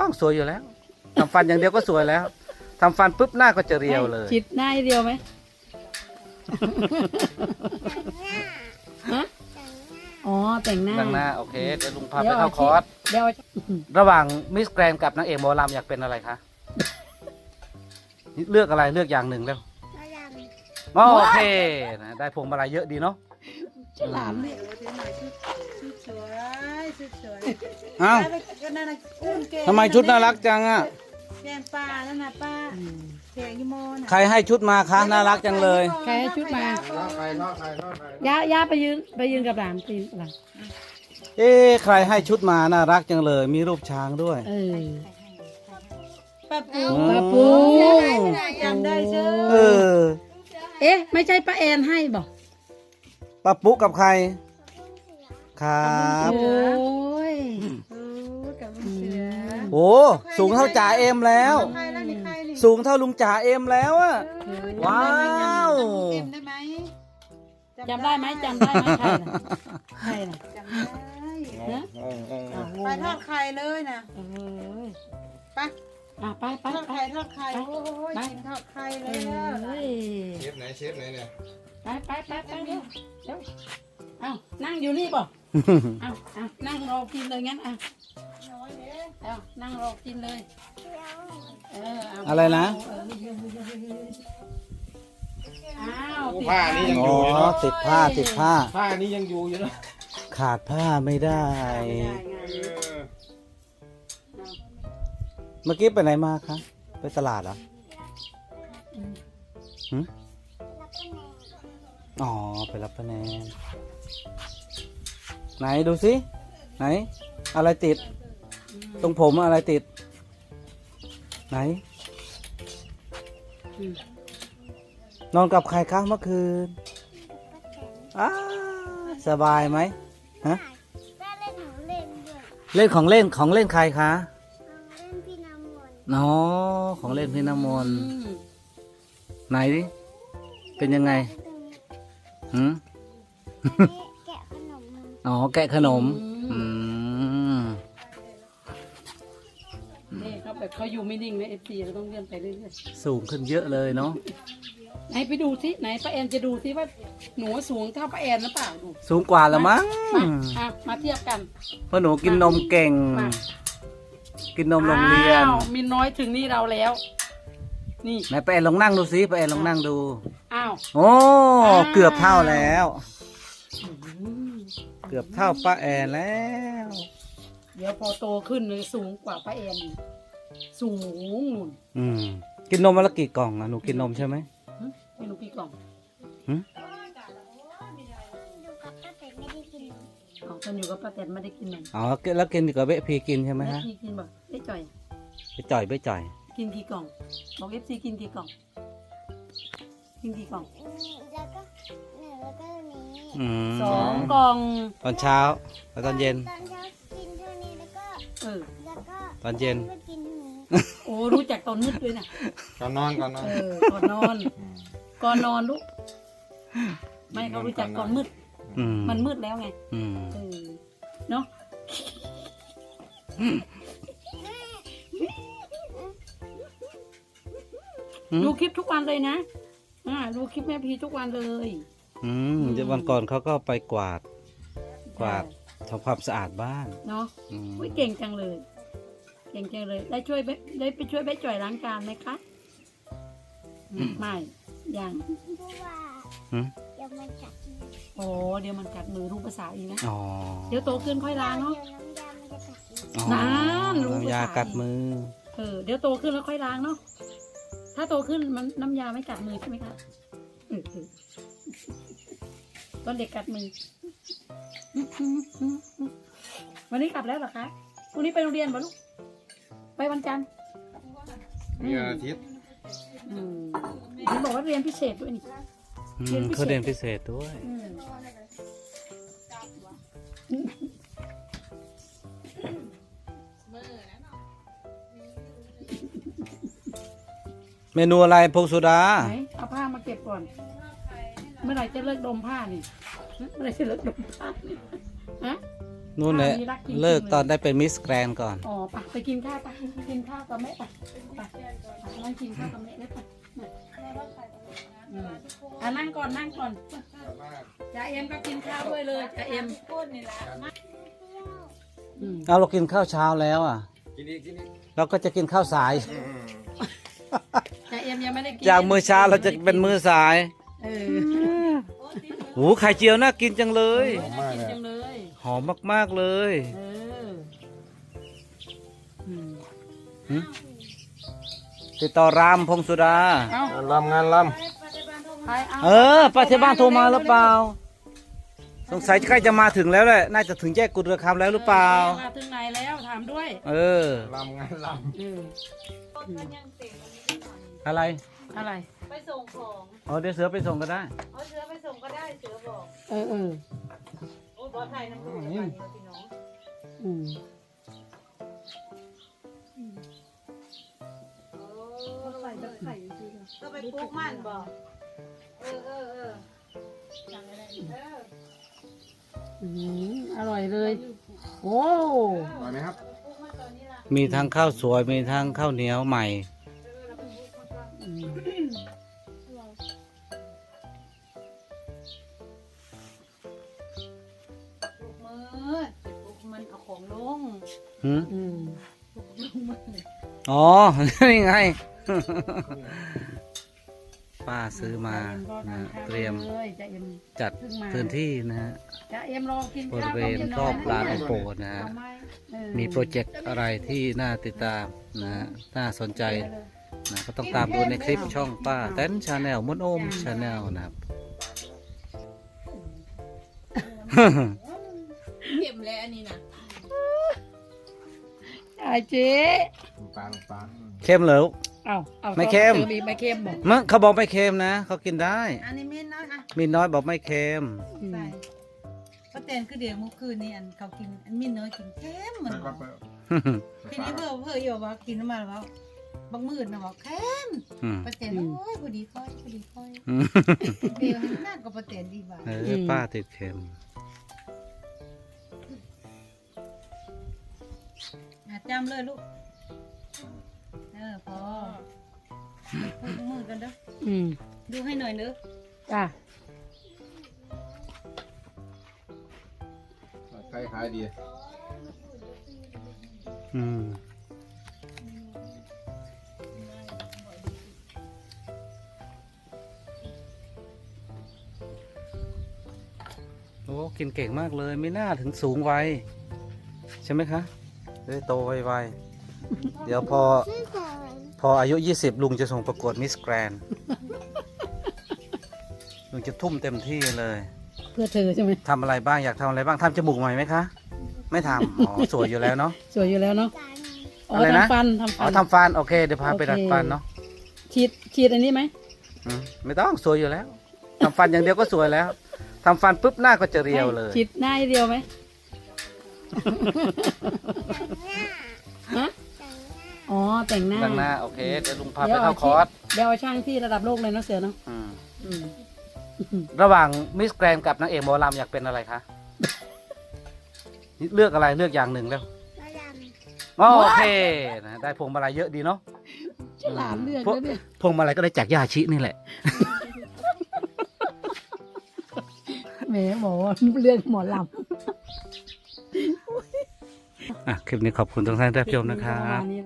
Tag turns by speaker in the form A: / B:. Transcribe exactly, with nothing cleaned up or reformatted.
A: ต้องสวยอยู่แล้วทำฟันอย่างเดียวก็สวยแล้วทำฟันปุ๊บหน้าก็จะเรียวเลย
B: จิตหน้าให้เรียวไหมฮะอ๋อแต่งหน้า
A: ดังหน้าโอเคเดี๋ยวลุงพาไปเข้าคอร์ส
B: เดี๋ยว
A: ระหว่างมิสแกรนกับนางเอกหมอลำอยากเป็นอะไรคะเลือกอะไรเลือกอย่างหนึ่งแล้วอ๋อโอเคนะได้พวงมาลัยเยอะดีเนาะ
B: ฉลามเนี่ย
C: ชุดสวยชุดสวย
A: อ้าวทำไมชุดน่ารักจังอ่ะ
C: แกงปลานั่นน่ะป้าแกงยี่โมน่ะ
A: ใครให้ชุดมาคะน่ารักจังเลย
B: ใครให้ชุดมา
D: ทอดไข่ทอดไข่ทอดไข่
B: ย่าย่าไปยืนไปยืนกับหลานไปยืนกับหลาน
A: เอ๊ะใครให้ชุดมาน่ารักจังเลย มีรูปช้างด้วย
B: เออ
C: ป้าปู
B: ป้าปู
C: จำได้เชื่อ
A: เออ
B: เอ๊ะไม่ใช่ป้าแอนให้บอก
A: ป้าปุ๊กับใครครับ
B: โอ้ย
C: เออกับลุงเสือ
A: โอ้สูงเท่าจ่าเอ็มแล้ว
C: ใครแล้วนี่ใครนี่
A: สูงเท่าลุงจ่าเอ็มแล้วอะ ว้าว
C: เอ็มได้ไหม
B: จำได้ไหมจำได้ไหมใครน่ะใครน่ะ
C: จำได้
B: ฮะ
D: เออเออ
B: อ้าวงง
C: ไปทอดไข่เลยนะ
B: เออ
C: ไป
B: อ่ะไปไป
C: ทอด
B: ไป
C: ไข่ทอดไข่โอ้ยกินทอดไข่
B: เอ
C: แล้ว
B: ้ย
D: เชฟไหนเชฟไหนเนี่ย
B: ไปไปไปไปเร็วเร็วเอานั่งอยู่นี่บ่เอาเอานั่งรอกินเลยงั้นอ่ะเอานั่งรอกินเลยเออเอา
A: อะไรนะ
B: เอออ้าวติด
D: ผ้านี่ยัง
A: อ๋
D: อ
A: อยู่
D: อยู่เนาะ
A: ติดผ้าติดผ้า
D: ผ้านี่ยังอยู่อยู่เนาะ
A: ขาดผ้าไม่ได้
B: ไม่ได้ไง
D: เออ
A: เมื่อกี้ไปไหนมาคะ ไปตลาดเหรอหืมอ๋อ ไปรับคะแนนไหนดูสิ ไหน อะไรติด ตรงผมอะไรติด ไหน
B: อืม
A: นอนกับใครคะเมื่อคืนอ้าสบายไหมฮะ
E: แม่เล่นหนูเล่นด้วย
A: เล่นของเล่นของเล่นใครคะ
E: เอาเล่นพี่น้ำมนต์
A: อ๋อของเล่นพี่น้ำมนต์
B: อืม
A: ไหนดิ เป็นยังไง หืม
E: แกะขนมมา
A: อ๋อ แกะขนม อืม
B: นี่เขาแบบเขาอยู่ไม่นิ่งนะเอฟซีเราต้องเลื่อนไปเรื่อย
A: สูงขึ้นเยอะเลยเนาะ
B: ๆไหนไปดูสิไหนป้าแอนจะดูสิว่าหนูสูงเท่าป้าแอนหรือเปล่าดู
A: สูงกว่าแล้วมั้ง
B: มาอ่ะมาเทียบกัน
A: เพราะหนูกินนมเก่ง
B: มา
A: กินนมโรงเรียน
B: อ้าวมีน้อยถึงนี่เราแล้ว นี่
A: ไหนไปแอนลองนั่งดูสิไปแอนลองนั่งดู
B: อ้าว
A: โอ้
B: อ้าว
A: เกือบเท่าแล้ว
B: อืม
A: เกือบเท่าป้าแอนแล้ว
B: เดี๋ยวพอโตขึ้นเลยสูงกว่าป้าแอนอีกสูงนู่น
A: อืม กินนมวันละกี่กล่องอะหนูกินนมใช่ไหม
B: หึไม่รู้กี่กล่อง
A: หึ
E: ดูกับป้าแต่ไม่ได้กิน
B: อ๋อตอนอยู่กับป้าแตนไม่ได้กินนม
A: อ๋อแล้วกินกับเบะพีกินใช่ไหม
B: แม่
A: ฮะ
B: พี่กินบ่ได้จ่อย
A: ไปจ่อยไปจ่อย
B: กินกี่กล่องบอกเอฟซีกินกี่กล่อง กินกี่กล่อง
E: อืมแล้วก็หนึ่งแล้วก็นี้
A: อืม
B: สองกล่อง
A: ตอนเช้าแล้วตอนเย็น
E: ตอนเช้ากินเท่านี้แล้วก็
B: เออ
E: แล้วก็
A: ตอนเย็น
E: ก็กินเท่านี้
B: โอ้รู้จักตอนมืดด้วยนะ
D: ก่อนนอนก่อนนอน
B: เออก่อนนอน ก่อนนอนลูกไม่เขารู้จักก่อนมืด
A: อืม
B: มันมืดแล้วไง
A: อืม
B: เออเนาะ
A: อืม
B: ดูคลิปทุกวันเลยนะอ่าดูคลิปแม่พีทุกวันเลย
A: อืมเดี๋ยววันก่อนเขาก็ไปกวาด กวาดทำความสะอาดบ้าน
B: เนาะ
A: อืม
B: อุ้ยเก่งจังเลย เก่งจังเลย ได้ช่วยเบ๊ได้ไปช่วยแม่จ่อยล้างจานไหมคะอืมไม่ยัง
E: เพราะว่า
A: หืม
E: เดี๋ยวมันกัดมือ
B: โอ้เดี๋ยวมันกัดมือรู้ภาษาอีกนะ
A: อ๋อ
B: เดี๋ยวโตขึ้นค่อยล้างเนาะ
E: เดี๋ยวน้ำยามันจะกัดมือ
A: อ๋อ
B: น้ำรู้ภาษา
A: น้ำยากัดมือ
B: เออเดี๋ยวโตขึ้นแล้วค่อยล้างเนาะ ถ้าโตขึ้นมันน้ำยาไม่กัดมือใช่ไหมคะเออเออตอนเด็กกัดมือ วันนี้กลับแล้วเหรอคะพรุ่งนี้ไปโรงเรียนป่ะลูก ไปวันจันทร์
D: มีวันอาทิตย์
B: อืมเห็นบอกว่าเรียนพิเศษด้วยนี่
A: อื
B: เรียน
A: ม
B: พิเศษ
A: เขาเรียนพิเศษด้วย
B: อืม
A: เมนูอะไรพงสุดา
B: ไหนเอาผ้ามาเก็บก่อน เมื่อไหร่จะเลิกดมผ้านี่ฮะเมื่อไหร่จะเลิกดมผ้านี่ฮะ
A: นู่นแหละ
B: มีรักจริงๆ
A: เลิกตอนได้เป็นมิสแกรนก่อน
B: อ๋อไปไปกินข้าวไปกินข้าวกับแม่ไปไปนั่งกินข้าวกับแม่ได้ไปอืมอ่ะนั่งก่อนนั่งก่อนจ่าเอ็มก็กินข้าวด้วยเลยจ่าเอ็มอืม
A: เอาเรากินข้าวเช้าแล้วอ่ะ
D: กินอีกกินอีก
A: เราก็จะกินข้าวสาย
B: จ่าเอ็มยังไม่ได้กิน
A: จากมื้อเช้าเราจะเป็นมื้อสาย
B: เออ
A: โอ้ไข่เจียวน่ากินจังเลย
D: หอมมาก
B: กิน
D: เลย
B: จังเลย
A: หอมมากๆเลย
B: เอออืม
A: หึติดต่อรามพงสุดา
B: เอ้า
D: งานลำงานล
B: ไปเอา
A: เออป้าที่บ้านโทรมาหรือเปล่า สงสัยใกล้จะมาถึงแล้วแหละ น่าจะถึงแยกกุฎเรือคำแล้วหรือเปล่า
B: มาถึงไหนแล้วถามด้วย
A: เออ
D: ำลำงานล
B: เออ
A: อะไร
B: อะไร
C: ไปส่งของ
A: อ๋อเดี๋ยวเสือไปส่งก็ได้
C: เอาเสือไปส่งก็ได้เสือบอก
B: เออเออ
C: โอ้ยปลอดภัยนะพูดกันเนี่ยพี่น้อง
B: อืม
C: ใส่กับไข่ก็ไปปลูกมันบอกเออเออเออ
B: อืมอร่อยเลย โอ้
D: ำอร่อยไหมครับ
A: มีทั้งข้าวสวย มีทั้งข้าวเหนียวใหม่
B: อืม
C: ปลูกมือปลูกมันเอาของลง
A: หืม
B: อืม
C: ลงมือ
A: อ๋อ นี่ไง ป้าซื้อมานะเตรียม
B: เลยจะเอ็ม
A: จัดพื้นที่นะฮะ
B: จะเอ็มรอกิน
A: บริ
B: ข้าว
A: เวณ
B: กับ
A: รอบ
B: กิน
A: ลาน
B: น้
A: โอ
B: อย
A: โปนะฮะ
B: เออ
A: มีโปรเจกต์อะไรที่น่าติดตามนะฮะน่าสนใจนะก็ต้องตามดูในคลิปช่องป้าแตนชาแนลมดโอมชาแนลนะครับ
C: เข็มแล้วอันนี้นะ
B: ไอ้เจ๊
D: ปลาปลา
A: เค็มเหรอ
B: เอาเอา
A: ไม่เค็ม
B: ติอีกไม่เค็มบอก
A: มึงเขาบอกไม่เค็มนะเขากินได้
C: อันนี้มิ้นน้อยอ่ะ
A: มีน้อยบอกไม่เค็ม
B: อืม
C: ใส่ป้าแตนคือเดี๋ยวเมื่อคืนนี้อันเขากินอันมิ้นน้อยกินเค็มเหมือน
D: ปลา
C: กัน
D: ปลา
C: ทีนี้เพื่อเพื่ออยู่ว่ากินน้ำมันแล้วบางมืดนะบอกเค็ม
A: อืม
C: ป้าแตนโอ้ยพอดีค่อยพอดีค่อย
A: อืม
C: เดี๋ยวให้หน้ากับป้าแตนดีบ่า
A: เออป้าติดเค็ม
C: อ่ะจำเลยลูกเออพอพูดมือกันเด้อ
B: อืม
C: ดูให้หน่อยเด้อ
B: จ้า
D: ใครขายดี
A: อืมโอ้กินเก่งมากเลย ไม่น่าถึงสูงวัยใช่ไหมคะเอ้ยโตไวๆเดี๋ยวพอ
E: ชื่อเขิน
A: พออายุยี่สิบลุงจะส่งประกวดมิสแกรนลุงจะทุ่มเต็มที่เลย
B: เพื่อเธอใช่ไหม
A: ทำอะไรบ้างอยากทำอะไรบ้างทำจมูกใหม่ไหมคะ ไม่ทำอ๋อสวยอยู่แล้วเนาะ
B: สวยอยู่แล้วเนาะ
E: จาน
B: อ๋อ
A: อะไรนะ
B: ทำฟันทำ
A: อ๋
B: ฟั
A: อน ทำฟันโอเคเดี๋ยวพาไป
B: โอเค
A: ดัดฟันเนาะ
B: ฉีดฉีดอันนี้ไหม
A: อืมไม่ต้องสวยอยู่แล้วทำฟันอย่างเดียวก็สวยแล้วทำฟันปุ๊บหน้าก็จะเรียวเลย
B: ฉีดหน้าให้เดียวไหม
E: หน้า
B: ฮะ
E: แต่งหน้า
B: อ๋อแต่งหน้า
A: ดังหน้าโอเคเดี๋ยวลุงพาไป
B: ดี๋ยว
A: เข้าคอร์ส
B: เดี๋ยวเอาช่างที่ระดับโลกเลยเนาะเสือเนาะ
A: อืม
B: อืม
A: ระหว่างมิสแกรนกับนางเอกหมอลำอยากเป็นอะไรคะเลือกอะไรเลือกอย่างหนึ่งแล้ว
E: มาด
A: อ๋อโอเคนะได้พวงมาลัยเยอะดีเนาะ
B: ฉลาดเลือก
A: พวก
B: แล้วเนี่ย
A: พวงมาลัยก็ได้จากยาชินี่แหละ
B: แหมหมอเลือกหมอลำ
A: อ่ะคลิปนี้ขอบคุณทุกท่านที่รับชมนะครับ
B: ปมาณนี้